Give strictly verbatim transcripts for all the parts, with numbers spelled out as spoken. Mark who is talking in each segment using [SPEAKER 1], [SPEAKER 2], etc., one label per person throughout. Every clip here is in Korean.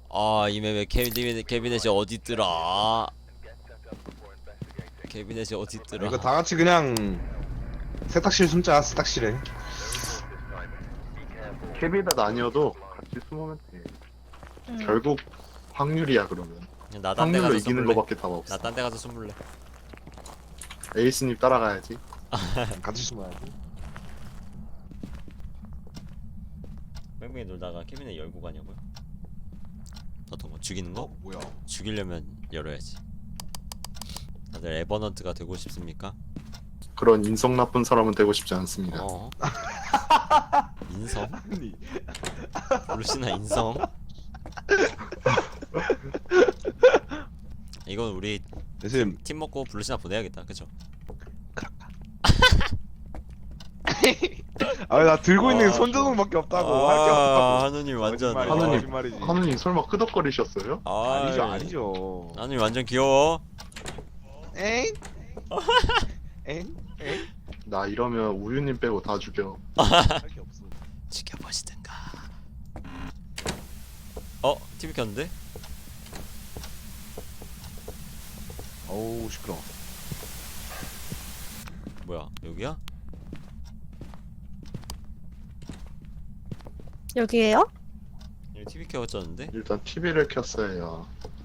[SPEAKER 1] 아, 이 맵에 캐비넷, 캐비넷이 어딨더라. 캐비넷이 어딨더라.
[SPEAKER 2] 이거 다 같이 그냥 세탁실 숨자. 세탁실에.
[SPEAKER 3] 캐비넷 아니어도 같이 숨으면 돼.
[SPEAKER 4] 응.
[SPEAKER 3] 결국 확률이야 그러면.
[SPEAKER 1] 나 딴 데
[SPEAKER 3] 확률로
[SPEAKER 1] 가서
[SPEAKER 3] 이기는
[SPEAKER 1] 숨을래.
[SPEAKER 3] 거밖에 답 없어.
[SPEAKER 1] 나 딴 데 가서 숨을래.
[SPEAKER 3] 에이스님 따라가야지.
[SPEAKER 2] 같이 숨어야지.
[SPEAKER 1] 뺑뺑이 놀다가 캐비넷 열고 가냐고요? 어떤 거? 죽이는 거?
[SPEAKER 2] 어 뭐야?
[SPEAKER 1] 죽이려면 열어야지. 다들 에버넌트가 되고 싶습니까?
[SPEAKER 3] 그런 인성 나쁜 사람은 되고 싶지 않습니다.
[SPEAKER 1] 어. 인성?
[SPEAKER 2] 아니
[SPEAKER 1] 루시나 인성? 이건 우리
[SPEAKER 2] 대신
[SPEAKER 1] 팀 먹고 블루시나 보내야겠다. 그쵸?
[SPEAKER 2] 아나 들고 있는
[SPEAKER 1] 아,
[SPEAKER 2] 게 손전등밖에 없다고
[SPEAKER 1] 아,
[SPEAKER 2] 할 게 없다고.
[SPEAKER 1] 하느님 완전
[SPEAKER 2] 거짓말이야,
[SPEAKER 3] 하느님.
[SPEAKER 2] 거짓말이지.
[SPEAKER 3] 하느님 설마 끄덕거리셨어요?
[SPEAKER 1] 아,
[SPEAKER 2] 아니죠 아니죠.
[SPEAKER 1] 하느님 완전 귀여워.
[SPEAKER 2] 엥? 엥? 엥?
[SPEAKER 3] 나 이러면 우유님 빼고 다 죽여.
[SPEAKER 2] 할 게 없어.
[SPEAKER 1] 지켜보시든가. 어? 티비 켰는데?
[SPEAKER 2] 어우 시끄러.
[SPEAKER 1] 뭐야? 여기야?
[SPEAKER 4] 여기에요?
[SPEAKER 1] 여기 티비 켜졌는데?
[SPEAKER 3] 일단 티비를 켰어요.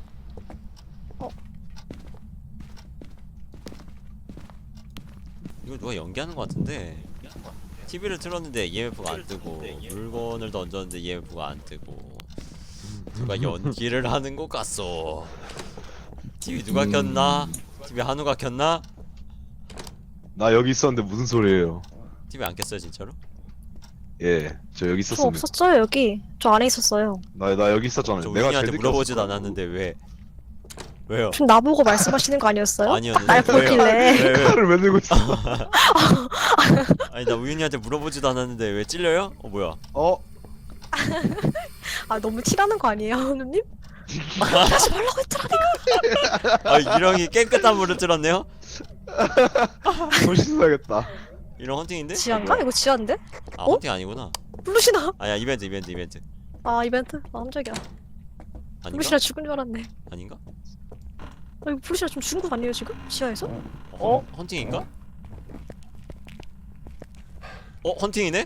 [SPEAKER 1] 이거 누가 연기하는 것 같은데? 티비를 틀었는데 이엠에프가 안 뜨고 물건을 던졌는데 이엠에프가 안 뜨고 누가 연기를 하는 것 같소. 티비 누가 켰나? 티비 한우가 켰나?
[SPEAKER 2] 나 여기 있었는데 무슨 소리예요?
[SPEAKER 1] 티비 안 켰어요 진짜로?
[SPEAKER 2] 예, 저 여기
[SPEAKER 4] 저
[SPEAKER 2] 있었습니다.
[SPEAKER 4] 없었어요 여기. 저 안에 있었어요.
[SPEAKER 2] 나 나 여기 있었잖아요.
[SPEAKER 1] 저
[SPEAKER 2] 내가 제일
[SPEAKER 1] 우진이한테
[SPEAKER 2] 늦게
[SPEAKER 1] 물어보지도
[SPEAKER 2] 왔을 거야.
[SPEAKER 1] 않았는데 왜? 왜요?
[SPEAKER 4] 지금 나보고 말씀하시는 거 아니었어요?
[SPEAKER 1] 아니었는데
[SPEAKER 4] 날
[SPEAKER 1] 왜요?
[SPEAKER 4] 보길래.
[SPEAKER 1] 왜, 왜?
[SPEAKER 2] 칼을 왜 들고 있어?
[SPEAKER 1] 아니 나 우윤이한테 물어보지도 않았는데 왜 찔려요? 어 뭐야?
[SPEAKER 2] 어?
[SPEAKER 4] 아 너무 티나는 거 아니에요, 누님? 하지 말라고 했더라.
[SPEAKER 1] 아 이랑이 깨끗한 물을 틀었네요?
[SPEAKER 2] 물 씻어야겠다.
[SPEAKER 1] 이런 헌팅인데?
[SPEAKER 4] 지한가? 이거 지한데?
[SPEAKER 1] 아
[SPEAKER 4] 어?
[SPEAKER 1] 헌팅 아니구나.
[SPEAKER 4] 블루시나?
[SPEAKER 1] 아야 이벤트 이벤트 이벤트
[SPEAKER 4] 아 이벤트? 아 깜짝이야.
[SPEAKER 1] 아닌가?
[SPEAKER 4] 블루시나 죽은 줄 알았네.
[SPEAKER 1] 아닌가?
[SPEAKER 4] 아 이거 블루시나 좀 죽은 거 아니에요 지금? 지하에서?
[SPEAKER 1] 어? 헌팅인가? 어? 헌팅이네?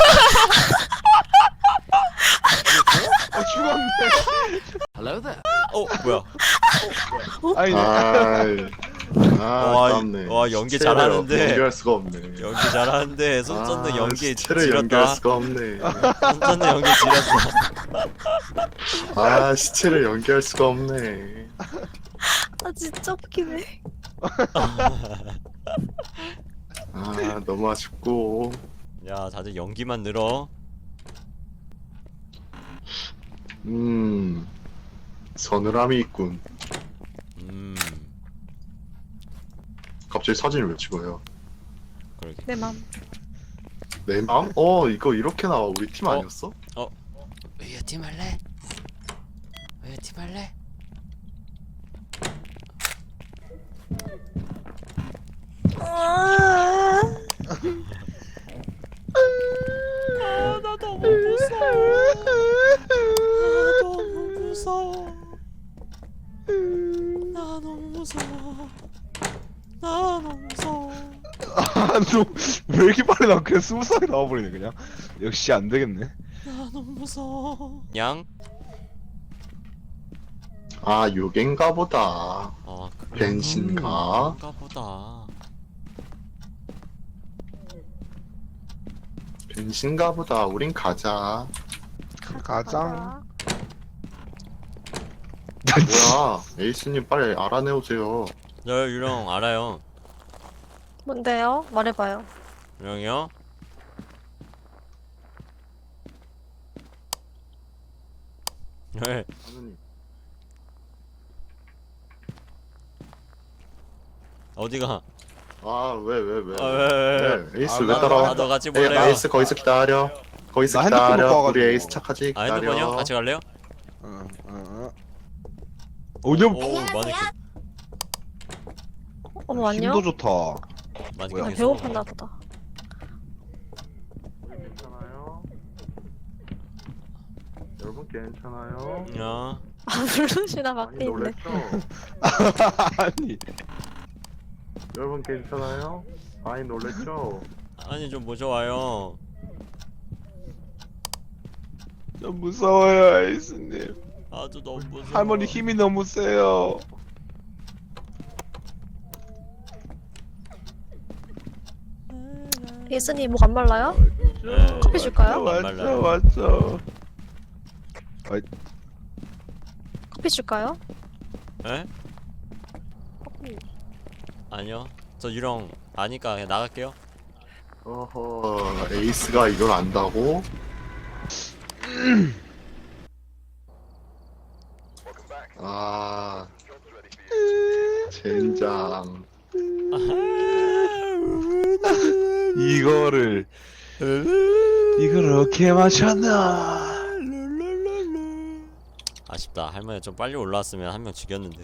[SPEAKER 2] 아 죽었네.
[SPEAKER 1] 어 뭐야?
[SPEAKER 2] 아니
[SPEAKER 3] 아이. 아,
[SPEAKER 1] 와,
[SPEAKER 3] 아깝네.
[SPEAKER 1] 와, 연기
[SPEAKER 3] 시체를
[SPEAKER 1] 잘하는데.
[SPEAKER 3] 연기할 수가 없네.
[SPEAKER 1] 연기 잘하는데 손 쫓는
[SPEAKER 3] 아,
[SPEAKER 1] 연기
[SPEAKER 3] 시체를 연기할
[SPEAKER 1] 지렸다.
[SPEAKER 3] 수가 없네.
[SPEAKER 1] 손 쫓는 연기 지렸어.
[SPEAKER 3] 아, 시체를 연기할 수가 없네.
[SPEAKER 4] 아 진짜 웃기네.
[SPEAKER 3] 아, 너무 아쉽고.
[SPEAKER 1] 야 다들 연기만 늘어.
[SPEAKER 3] 음, 서늘함이 있군.
[SPEAKER 1] 음
[SPEAKER 3] 갑자기 사진을 왜 찍어요?
[SPEAKER 1] 그러게.
[SPEAKER 4] 내 맘.
[SPEAKER 3] 내 마음? 어, 이거 이렇게 나와. 우리 팀
[SPEAKER 1] 어?
[SPEAKER 3] 아니었어?
[SPEAKER 1] 왜요 팀 할래? 왜요 팀 할래?
[SPEAKER 4] 아,
[SPEAKER 1] 아나 너무 무서워. 나 너무 무서워. 나 너무 무서워. 나 너무 무서워.
[SPEAKER 2] 아너왜 이렇게 빨리 나 그냥 스무 살이 나와버리네 그냥. 역시 안 되겠네.
[SPEAKER 1] 나 너무 무서워. 양?
[SPEAKER 3] 아, 요겐가 보다.
[SPEAKER 1] 아 그래.
[SPEAKER 3] 벤신가?
[SPEAKER 1] 그런가 보다.
[SPEAKER 3] 벤신가 보다. 우린 가자.
[SPEAKER 2] 가장.
[SPEAKER 3] 뭐야, 에이스님 빨리 알아내오세요.
[SPEAKER 1] 저 유령 알아요.
[SPEAKER 4] 뭔데요? 말해봐요.
[SPEAKER 1] 유령이요? 네.
[SPEAKER 3] 하느님.
[SPEAKER 1] 어디가?
[SPEAKER 3] 아, 왜, 왜, 왜?
[SPEAKER 1] 아, 왜, 왜, 왜?
[SPEAKER 3] 네, 에이스
[SPEAKER 2] 아,
[SPEAKER 3] 왜
[SPEAKER 2] 나-
[SPEAKER 3] 따라와?
[SPEAKER 1] 나도 같이
[SPEAKER 3] 에이,
[SPEAKER 1] 볼래요.
[SPEAKER 3] 에이스 거기서 기다려. 거기서
[SPEAKER 2] 나 핸드폰
[SPEAKER 3] 기다려.
[SPEAKER 2] 놓고 와가지고.
[SPEAKER 3] 우리 에이스 착하지?
[SPEAKER 1] 아
[SPEAKER 3] 기다려.
[SPEAKER 1] 핸드폰이요? 같이 갈래요?
[SPEAKER 2] 응, 응, 응. 오년
[SPEAKER 1] 오 마네킹.
[SPEAKER 4] 어머 안녕.
[SPEAKER 2] 힘도 좋다.
[SPEAKER 1] 마네킹
[SPEAKER 2] 뭐야?
[SPEAKER 4] 아,
[SPEAKER 1] 계속.
[SPEAKER 4] 배고팠나 보다.
[SPEAKER 3] 괜찮아요? 여러분 괜찮아요?
[SPEAKER 1] 야
[SPEAKER 4] 아 블루시나
[SPEAKER 3] 많이
[SPEAKER 4] 밖에 있네.
[SPEAKER 3] 놀랬죠?
[SPEAKER 2] 아니
[SPEAKER 3] 여러분 괜찮아요? 많이 놀랬죠?
[SPEAKER 1] 아니 좀 모셔와요.
[SPEAKER 2] 좀 무서워요 아이스님.
[SPEAKER 1] 아주 너무 무서워.
[SPEAKER 2] 할머니 힘이 너무 세요.
[SPEAKER 4] 예스님 목 안 말라요?
[SPEAKER 1] 네,
[SPEAKER 4] 커피 줄까요?
[SPEAKER 1] 안
[SPEAKER 2] 맞죠
[SPEAKER 1] 말라요.
[SPEAKER 2] 맞죠.
[SPEAKER 4] 커피 줄까요?
[SPEAKER 1] 에?
[SPEAKER 4] 커피.
[SPEAKER 1] 아니요. 저 유령 아니까 그냥 나갈게요.
[SPEAKER 3] 어허, 에이스가 이걸 안다고? 아, 젠장.
[SPEAKER 2] 이거를 이걸 어떻게 마셨나?
[SPEAKER 1] 아쉽다. 할머니 좀 빨리 올라왔으면 한 명 죽였는데.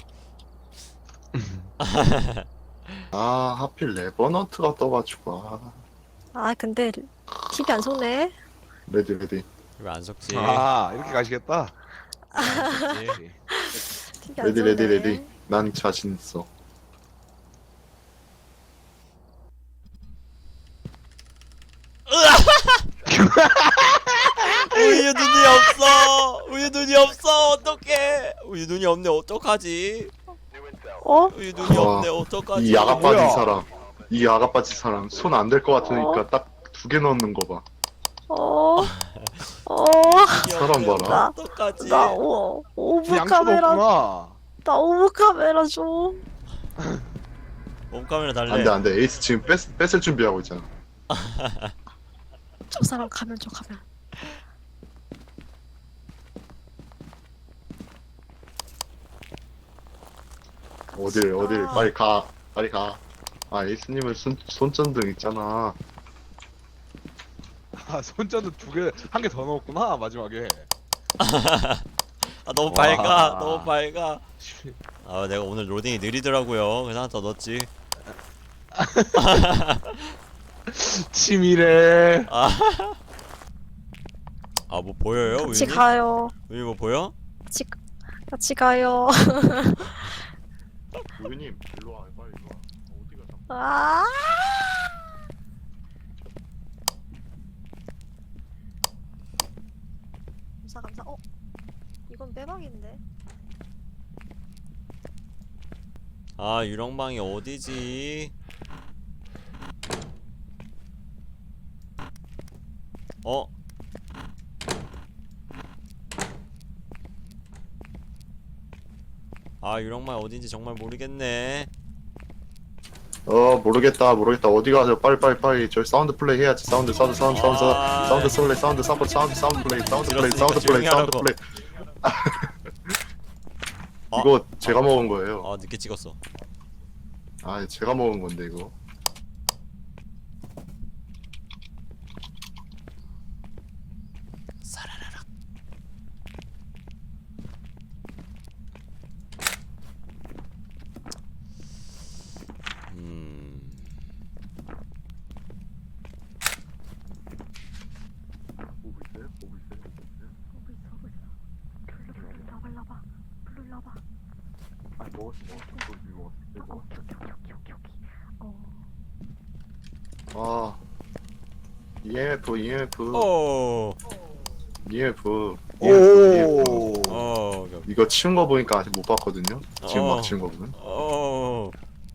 [SPEAKER 3] 아, 하필 레버넌트가 떠가지고. 아,
[SPEAKER 4] 아 근데 티비 안 속네.
[SPEAKER 3] 레디, 레디.
[SPEAKER 1] 왜 안 속지?
[SPEAKER 2] 아 이렇게 가시겠다.
[SPEAKER 1] 안 속지?
[SPEAKER 4] 티비 안
[SPEAKER 3] 레디,
[SPEAKER 4] 속네.
[SPEAKER 3] 레디, 레디. 난 자신 있어.
[SPEAKER 1] 우유 눈이 없어. 우유 눈이 없어. 어떡해? 우유 눈이 없네. 어떡하지?
[SPEAKER 4] 어?
[SPEAKER 1] 우유 눈이
[SPEAKER 3] 와,
[SPEAKER 1] 없네. 어떡하지?
[SPEAKER 3] 이 야가
[SPEAKER 2] 뭐야?
[SPEAKER 3] 빠진 사람. 이 야가 빠진 사람. 손 안 될 것 같으니까 딱 두 개 넣는 거 봐.
[SPEAKER 4] 어? 어?
[SPEAKER 3] 사람 봐라.
[SPEAKER 4] 나-
[SPEAKER 1] 어떡하지?
[SPEAKER 4] 나 오, 오브
[SPEAKER 2] 양초도
[SPEAKER 4] 카메라.
[SPEAKER 2] 없구나.
[SPEAKER 4] 나 오브 카메라 줘.
[SPEAKER 1] 홈카메라 달래.
[SPEAKER 3] 안 돼, 안 돼. 에이스 지금 뺏, 뺏을 준비하고 있잖아.
[SPEAKER 4] 저 사람 가면 저 가면.
[SPEAKER 3] 어딜, 어딜.
[SPEAKER 4] 아.
[SPEAKER 3] 빨리 가. 빨리 가. 아, 에이스님은 손, 손전등 있잖아.
[SPEAKER 2] 아 손전도 두 개 한 개 더 넣었구나 마지막에.
[SPEAKER 1] 아 너무
[SPEAKER 2] 와.
[SPEAKER 1] 밝아. 너무 밝아. 아 내가 오늘 로딩이 느리더라고요. 그래서 하나 더 넣었지.
[SPEAKER 2] 치밀해.
[SPEAKER 1] 아 뭐 보여요?
[SPEAKER 4] 같이
[SPEAKER 1] 우유님?
[SPEAKER 4] 가요.
[SPEAKER 1] 우유 뭐 보여?
[SPEAKER 4] 같이 같이 가요.
[SPEAKER 3] 우유님, 일로 와. 빨리 일로 와. 어디가 자꾸.
[SPEAKER 4] 아! 감사 감사. 어? 이건 빼박인데.
[SPEAKER 1] 아 유령방이 어디지? 어? 아 유령방 어딘지 정말 모르겠네.
[SPEAKER 3] 어, 모르겠다, 모르겠다. 어디 가서 빨리, 빨리, 빨리. 저기 사운드 플레이 해야지. 사운드, 사운드, 사운드, 사운드,
[SPEAKER 1] 아.
[SPEAKER 3] 사운드, 사운드 플레이, 사운드, 사운드, 사운드, 사운드 플레이, 사운드 플레이, 사운드 플레이, 사운드 플레이.
[SPEAKER 1] 아.
[SPEAKER 3] 이거 제가 먹은 거예요.
[SPEAKER 1] 아 늦게 찍었어.
[SPEAKER 3] 아, 제가 먹은 건데 이거.
[SPEAKER 1] 사라라락. 음.
[SPEAKER 3] 보고 있어요? 보고 있어요? 보고 있어요?
[SPEAKER 4] 오고 있어 오고 있어. 블루 블루 나와 나와. 블루 나와.
[SPEAKER 3] 아, 먹었어, 먹었어. 고기 먹었어.
[SPEAKER 4] 어,
[SPEAKER 3] 이거.
[SPEAKER 4] 오케이 오케이 오케이 오케이 오케이. 어.
[SPEAKER 3] 아, 이엠에프, 이엠에프,
[SPEAKER 1] 오.
[SPEAKER 3] 이엠에프, 이엠에프,
[SPEAKER 2] 오.
[SPEAKER 1] 어.
[SPEAKER 3] 이거 치운 거 보니까 아직 못 봤거든요. 지금
[SPEAKER 1] 어.
[SPEAKER 3] 막 치운 거 보면.
[SPEAKER 1] 어.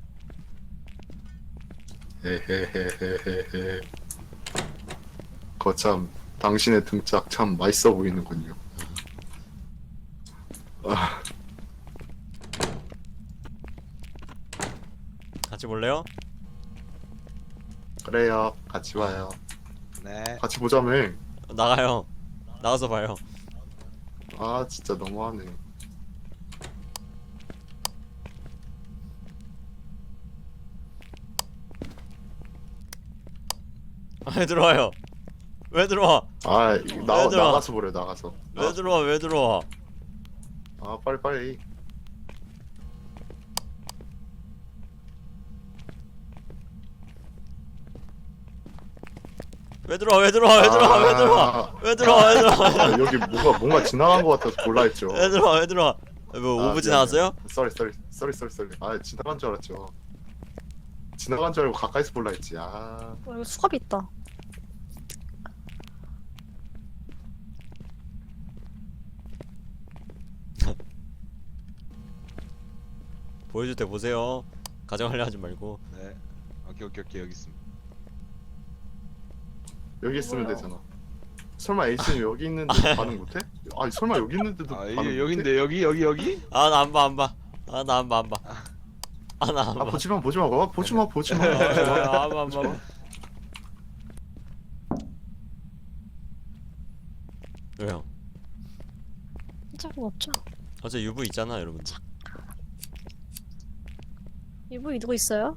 [SPEAKER 3] 헤헤헤헤헤헤. 거참 당신의 등짝 참 맛있어 보이는군요. 아,
[SPEAKER 1] 같이 볼래요?
[SPEAKER 3] 그래요. 같이 와요.
[SPEAKER 2] 네.
[SPEAKER 3] 같이 보자며.
[SPEAKER 1] 나가요. 나가서 봐요.
[SPEAKER 3] 아, 진짜 너무하네.
[SPEAKER 1] 왜 들어와요? 왜 들어와?
[SPEAKER 3] 아, 이- 나,
[SPEAKER 1] 왜 들어와?
[SPEAKER 3] 나가서 보래, 나가서.
[SPEAKER 1] 왜 들어와? 왜 들어와?
[SPEAKER 3] 아, 빨리, 빨리.
[SPEAKER 1] 왜 들어와 왜 들어와 왜 들어와 왜 들어와 왜 들어와 왜 들어와
[SPEAKER 3] 아, 여기 뭔가 뭔가 지나간 것 같아서 몰라 했죠.
[SPEAKER 1] 왜 들어와 왜 들어와 뭐 오브 지나왔어요?
[SPEAKER 3] 쏘리 쏘리 쏘리 쏘리 쏘리. 아 지나간 줄 알았죠. 지나간 줄 알고 가까이서 볼라 했지. 아
[SPEAKER 4] 어, 이거 수갑이 있다.
[SPEAKER 1] 보여줄 때 보세요. 가정하려 하지 말고.
[SPEAKER 2] 네. 오케이 오케이 오케이 여기 있습니다.
[SPEAKER 3] 여기 있으면
[SPEAKER 4] 뭐야?
[SPEAKER 3] 되잖아. 설마 에이스님 여기 있는데 반응 못해? 아니 설마 여기 있는데도
[SPEAKER 2] 아
[SPEAKER 3] 반응
[SPEAKER 2] 이게
[SPEAKER 3] 못해?
[SPEAKER 2] 여긴데 여기 여기 여기?
[SPEAKER 1] 아 나 안 봐 안 봐. 아 나 안 봐 안 봐. 아 나 안
[SPEAKER 3] 아
[SPEAKER 1] 봐.
[SPEAKER 3] 보지마 보지마 봐 보지마 보지마.
[SPEAKER 1] 아, 안 봐, 안 봐. 왜요?
[SPEAKER 4] 짝은 없죠?
[SPEAKER 1] 어제 유부 있잖아 여러분들.
[SPEAKER 4] 이분이 누구 있어요?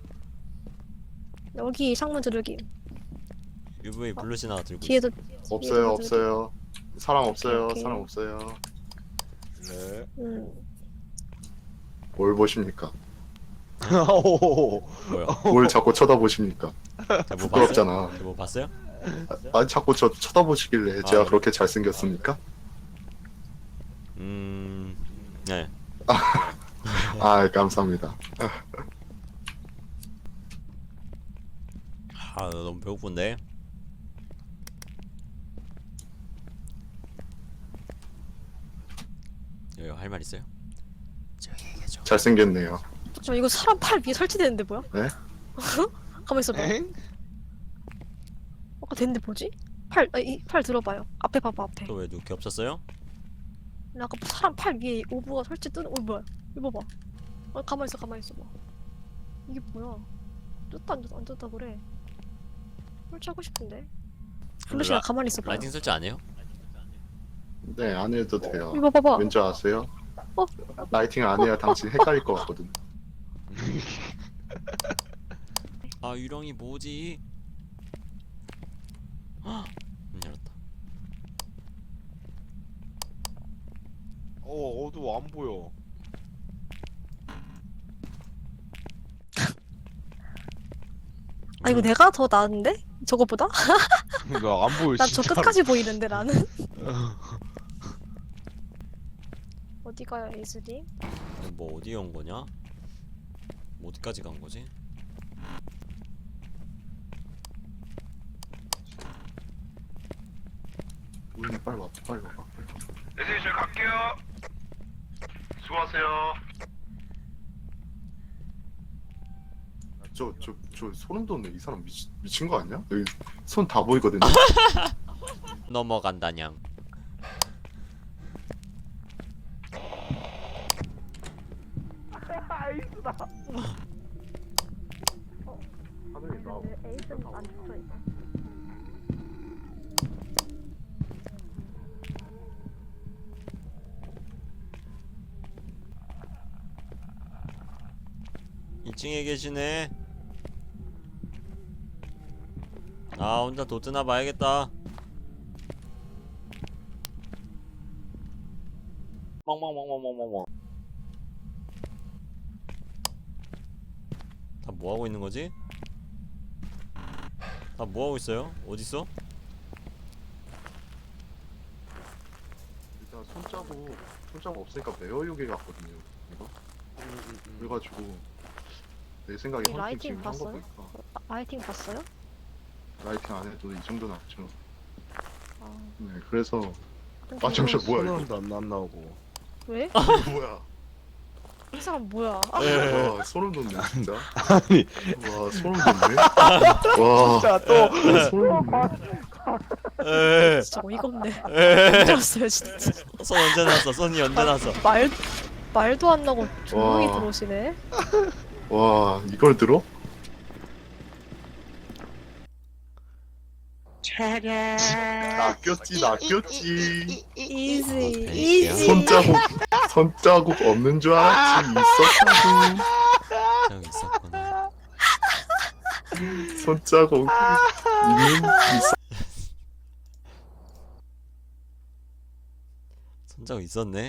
[SPEAKER 4] 여기 창문 두들기.
[SPEAKER 1] 유부에 블루시나 들고 있어.
[SPEAKER 4] 뒤에도
[SPEAKER 3] 없어요 없어요. 사람 없어요
[SPEAKER 4] 오케이.
[SPEAKER 3] 사람 없어요.
[SPEAKER 2] 네.
[SPEAKER 4] 음.
[SPEAKER 3] 뭘 보십니까?
[SPEAKER 2] 오.
[SPEAKER 1] 뭐야?
[SPEAKER 3] 뭘 자꾸 쳐다보십니까?
[SPEAKER 1] 뭐 봤어요?
[SPEAKER 3] 부끄럽잖아.
[SPEAKER 1] 뭐 봤어요?
[SPEAKER 3] 아니 자꾸 저 쳐다보시길래 제가
[SPEAKER 1] 아,
[SPEAKER 3] 그렇게 잘생겼습니까?
[SPEAKER 1] 음, 네.
[SPEAKER 3] 아 감사합니다.
[SPEAKER 1] 아 너무 배고픈데. 여기 할 말 있어요? 저기 얘기해줘.
[SPEAKER 3] 잘생겼네요.
[SPEAKER 4] 저 이거 사람 팔 위에 설치되는데 뭐야?
[SPEAKER 3] 네?
[SPEAKER 4] 가만 있어봐.
[SPEAKER 2] 엥?
[SPEAKER 4] 아까 됐는데 뭐지? 팔, 아, 이, 팔 들어봐요. 앞에 봐봐 앞에.
[SPEAKER 1] 또 왜 누게 없었어요?
[SPEAKER 4] 근데 아까 사람 팔 위에 오브가 설치 뜨는. 어 뭐야? 이거 봐봐. 아 가만 있어 가만 있어봐. 이게 뭐야? 떴다 안 떴다 안 떴다 그래. 설치하고 싶은데. 블루시가
[SPEAKER 1] 라-
[SPEAKER 4] 가만히 있어봐.
[SPEAKER 1] 라이팅 설치 안 해요?
[SPEAKER 3] 네 안 해도 돼요.
[SPEAKER 4] 이거 봐봐.
[SPEAKER 3] 왠지 아세요?
[SPEAKER 4] 어?
[SPEAKER 3] 라이팅 안 해야 당신 헷갈릴 것 같거든.
[SPEAKER 1] 아 유령이 뭐지? 헉! 문 열었다.
[SPEAKER 2] 어 어두워 안 보여.
[SPEAKER 4] 아 이거 내가 더 나은데? 저거보다?
[SPEAKER 2] 이거 안 보여
[SPEAKER 4] 난 저
[SPEAKER 2] 진짜로.
[SPEAKER 4] 끝까지 보이는데 나는. 어디 가요 에이스님?
[SPEAKER 1] 뭐 어디에 온 거냐? 뭐 어디까지 간 거지?
[SPEAKER 3] 우리 빨리 와 빨리 와.
[SPEAKER 5] 네, 저 갈게요. 수고하세요.
[SPEAKER 3] 저저 저 소름 돋네. 이 사람 미치, 미친 거 아니야? 여기 손 다 보이거든요.
[SPEAKER 1] 넘어간다냥.
[SPEAKER 3] 하늘이 나.
[SPEAKER 4] 에이스는 안 붙어 있어.
[SPEAKER 1] 이 층에 계시네. 아 혼자 도트나 봐야겠다. 멍멍멍멍멍멍. 다 뭐하고 있는 거지? 다 뭐하고 있어요? 어딨어?
[SPEAKER 3] 일단 손자국 손자국 없으니까 매어 요괴 같거든요. 이거 그래가지고 내 생각에
[SPEAKER 4] 이
[SPEAKER 3] 헌팅
[SPEAKER 4] 라이팅
[SPEAKER 3] 지금 한거
[SPEAKER 4] 봤어요?
[SPEAKER 3] 보니까
[SPEAKER 4] 아, 라이팅 봤어요?
[SPEAKER 3] 라이팅 안 해도 이 정도 나왔죠.
[SPEAKER 4] 아,
[SPEAKER 3] 네 그래서
[SPEAKER 4] 근데
[SPEAKER 3] 아 잠시만
[SPEAKER 4] 이거
[SPEAKER 3] 뭐야 이거
[SPEAKER 2] 소름도 안, 안 나오고.
[SPEAKER 4] 왜?
[SPEAKER 3] 이거 뭐야?
[SPEAKER 4] 이 사람 뭐야? 아,
[SPEAKER 3] 와 소름 돋네 진짜.
[SPEAKER 2] 아니
[SPEAKER 3] 와 소름 돋네. 와
[SPEAKER 2] 진짜 또
[SPEAKER 3] 소름 돋네.
[SPEAKER 1] 에이,
[SPEAKER 4] 진짜 어이가 없네.
[SPEAKER 1] 에이.
[SPEAKER 4] 들었어요 진짜.
[SPEAKER 1] 손 언제 났어? 손이 언제 났어?
[SPEAKER 4] 말 말도 안 나고 조용히
[SPEAKER 3] 와.
[SPEAKER 4] 들어오시네.
[SPEAKER 3] 와 이걸 들어? 낚였지 낚였지.
[SPEAKER 4] 이지
[SPEAKER 1] 어,
[SPEAKER 4] 이지.
[SPEAKER 3] 손자국 손자국 없는 줄 알았지 있었다고.
[SPEAKER 1] 저기 있었구나.
[SPEAKER 3] 손자국 있는 있어.
[SPEAKER 1] 손자국 있었네.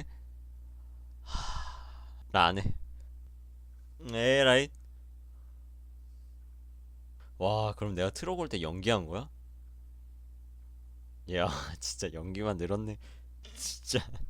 [SPEAKER 1] 나 안 해. 에라이. 와 그럼 내가 트럭 올 때 연기한 거야? 야 진짜 연기만 늘었네 진짜